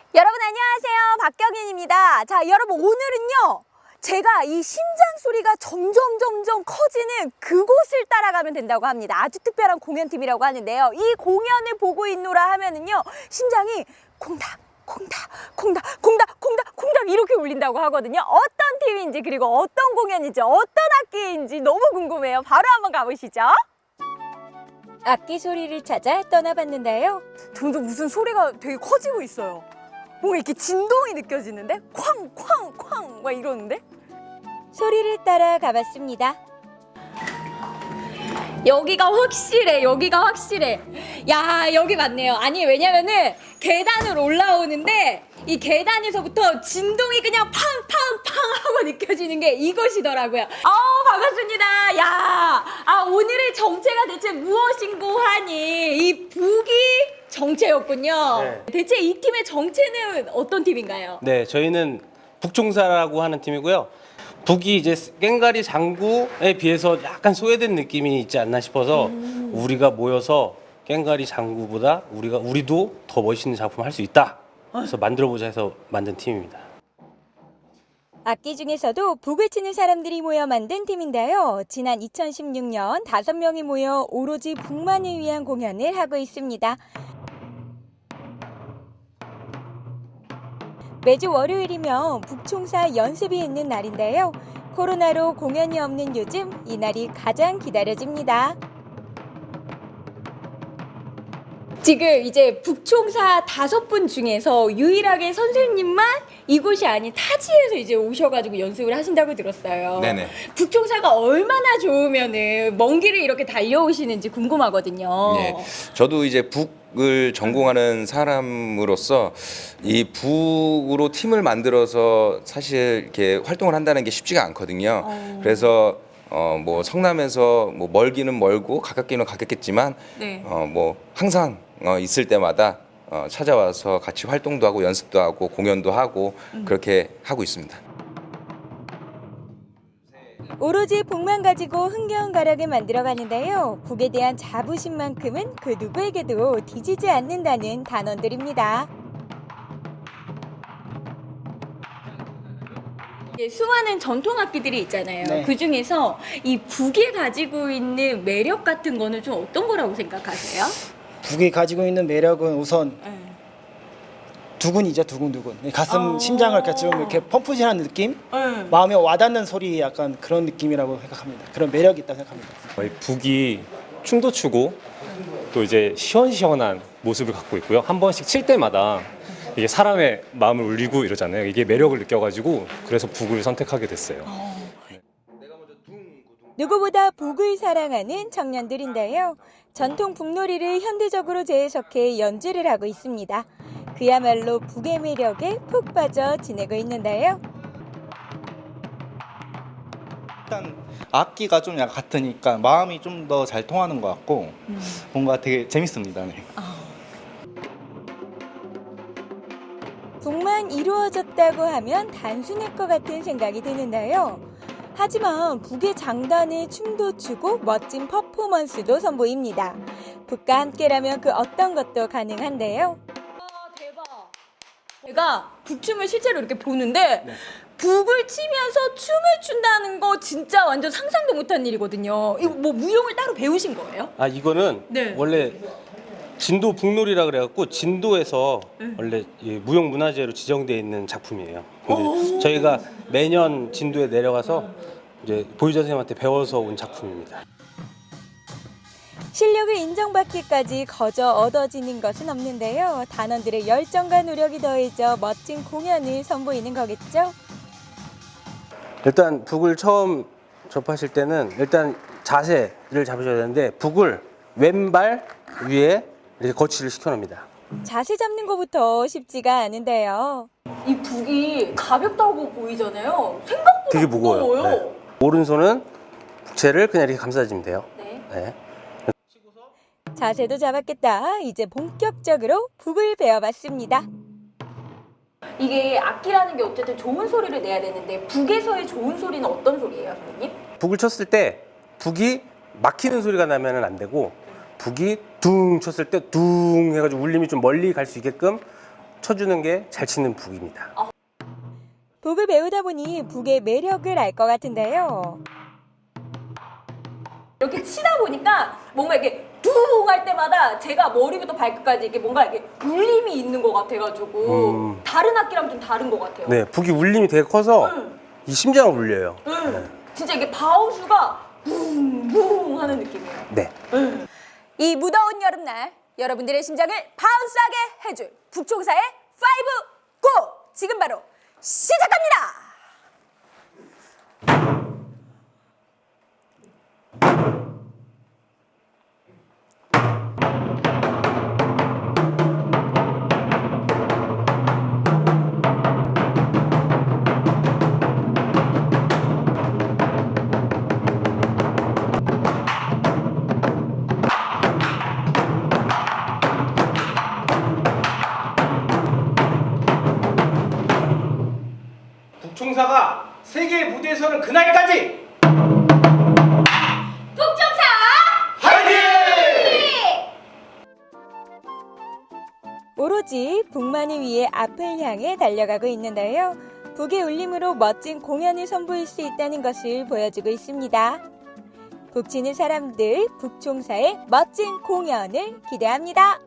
여러분 안녕하세요. 박경인입니다. 자, 여러분 오늘은요. 제가 이 심장 소리가 점점 커지는 그곳을 따라가면 된다고 합니다. 아주 특별한 공연팀이라고 하는데요. 이 공연을 보고 있노라 하면은요. 심장이 콩닥 이렇게 울린다고 하거든요. 어떤 팀인지 그리고 어떤 공연인지 어떤 악기인지 너무 궁금해요. 바로 한번 가보시죠. 악기 소리를 찾아 떠나봤는데요. 점점 무슨 소리가 되게 커지고 있어요. 뭔가 이렇게 진동이 느껴지는데? 쾅 막 이러는데? 소리를 따라 가봤습니다. 여기가 확실해. 야, 여기 맞네요. 아니, 왜냐면은 계단을 올라오는데 이 계단에서부터 진동이 그냥 팡 하고 느껴지는 게 이것이더라고요. 반갑습니다. 야, 오늘의 정체가 대체 무엇인고 하니 이 북이 정체였군요. 네. 대체 이 팀의 정체는 어떤 팀인가요? 네, 저희는 북총사라고 하는 팀이고요. 북이 이제 꽹가리 장구에 비해서 약간 소외된 느낌이 있지 않나 싶어서 우리가 모여서 꽹가리 장구보다 우리도 더 멋있는 작품 할 수 있다. 그래서 만들어보자 해서 만든 팀입니다. 악기 중에서도 북을 치는 사람들이 모여 만든 팀인데요. 지난 2016년 5명이 모여 오로지 북만을 위한 공연을 하고 있습니다. 매주 월요일이면 북총사 연습이 있는 날인데요. 코로나로 공연이 없는 요즘 이 날이 가장 기다려집니다. 지금 이제 북총사 5분 중에서 유일하게 선생님만 이곳이 아닌 타지에서 이제 오셔가지고 연습을 하신다고 들었어요. 네네. 북총사가 얼마나 좋으면은 먼 길을 이렇게 달려오시는지 궁금하거든요. 예, 저도 이제 북을 전공하는 사람으로서 이 북으로 팀을 만들어서 사실 이렇게 활동을 한다는 게 쉽지가 않거든요. 그래서 뭐 성남에서 뭐 멀기는 멀고 가깝기는 가깝겠지만 네. 뭐 항상 있을 때마다 찾아와서 같이 활동도 하고 연습도 하고 공연도 하고 그렇게 하고 있습니다. 오로지 북만 가지고 흥겨운 가락을 만들어가는데요. 북에 대한 자부심만큼은 그 누구에게도 뒤지지 않는다는 단원들입니다. 수많은 전통 악기들이 있잖아요. 네. 그 중에서 이 북이 가지고 있는 매력 같은 거는 좀 어떤 거라고 생각하세요? 북이 가지고 있는 매력은 우선 두근이죠, 두근두근. 가슴, 심장을 이렇게 좀 이렇게 펌프질하는 느낌? 마음에 와닿는 소리 약간 그런 느낌이라고 생각합니다. 그런 매력이 있다고 생각합니다. 저희 북이 춤도 추고 또 이제 시원시원한 모습을 갖고 있고요. 한 번씩 칠 때마다 이게 사람의 마음을 울리고 이러잖아요. 이게 매력을 느껴가지고 그래서 북을 선택하게 됐어요. 누구보다 북을 사랑하는 청년들인데요. 전통 북놀이를 현대적으로 재해석해 연주를 하고 있습니다. 그야말로 북의 매력에 푹 빠져 지내고 있는데요. 일단 악기가 좀 약간 같으니까 마음이 좀 더 잘 통하는 것 같고 뭔가 되게 재밌습니다. 네. 북만 이루어졌다고 하면 단순할 것 같은 생각이 드는데요. 하지만 북의 장단에 춤도 추고 멋진 퍼포먼스도 선보입니다. 북과 함께라면 그 어떤 것도 가능한데요. 대박. 제가 북춤을 실제로 이렇게 보는데 북을 치면서 춤을 춘다는 거 진짜 완전 상상도 못한 일이거든요. 이거 뭐 무용을 따로 배우신 거예요? 이거는 네. 원래 진도 북놀이라 그래갖고 진도에서 원래 무형문화재로 지정되어 있는 작품이에요. 근데 저희가 매년 진도에 내려가서 이제 보유자 선생님한테 배워서 온 작품입니다. 실력을 인정받기까지 거저 얻어지는 것은 없는데요. 단원들의 열정과 노력이 더해져 멋진 공연을 선보이는 거겠죠? 일단 북을 처음 접하실 때는 일단 자세를 잡으셔야 되는데 북을 왼발 위에 이렇게 거치를 시켜놓습니다. 자세 잡는 것부터 쉽지가 않은데요. 이 북이 가볍다고 보이잖아요. 생각보다 되게 무거워요. 네. 오른손은 북채를 그냥 이렇게 감싸주면 돼요. 네. 자세도 잡았겠다. 이제 본격적으로 북을 배워봤습니다. 이게 악기라는 게 어쨌든 좋은 소리를 내야 되는데 북에서의 좋은 소리는 어떤 소리예요, 선생님? 북을 쳤을 때 북이 막히는 소리가 나면 안 되고 북이 둥 쳤을 때 둥 해가지고 울림이 좀 멀리 갈 수 있게끔 쳐주는 게 잘 치는 북입니다. 북을 배우다 보니 북의 매력을 알 것 같은데요. 이렇게 치다 보니까 뭔가 이렇게 둥 할 때마다 제가 머리부터 발끝까지 이렇게 뭔가 이렇게 울림이 있는 것 같아가지고 다른 악기랑 좀 다른 것 같아요. 네, 북이 울림이 되게 커서 이 심장을 울려요. 진짜 이게 바운스가 붕붕 하는 느낌이에요. 네. 이 무더운 여름날 여러분들의 심장을 바운스하게 해줄 북총사의 5 고! 지금 바로 시작합니다. 북총사가 세계의 무대에 서는 그날까지 북총사 오로지 북만을 위해 앞을 향해 달려가고 있는데요. 북의 울림으로 멋진 공연을 선보일 수 있다는 것을 보여주고 있습니다. 북치는 사람들 북총사의 멋진 공연을 기대합니다.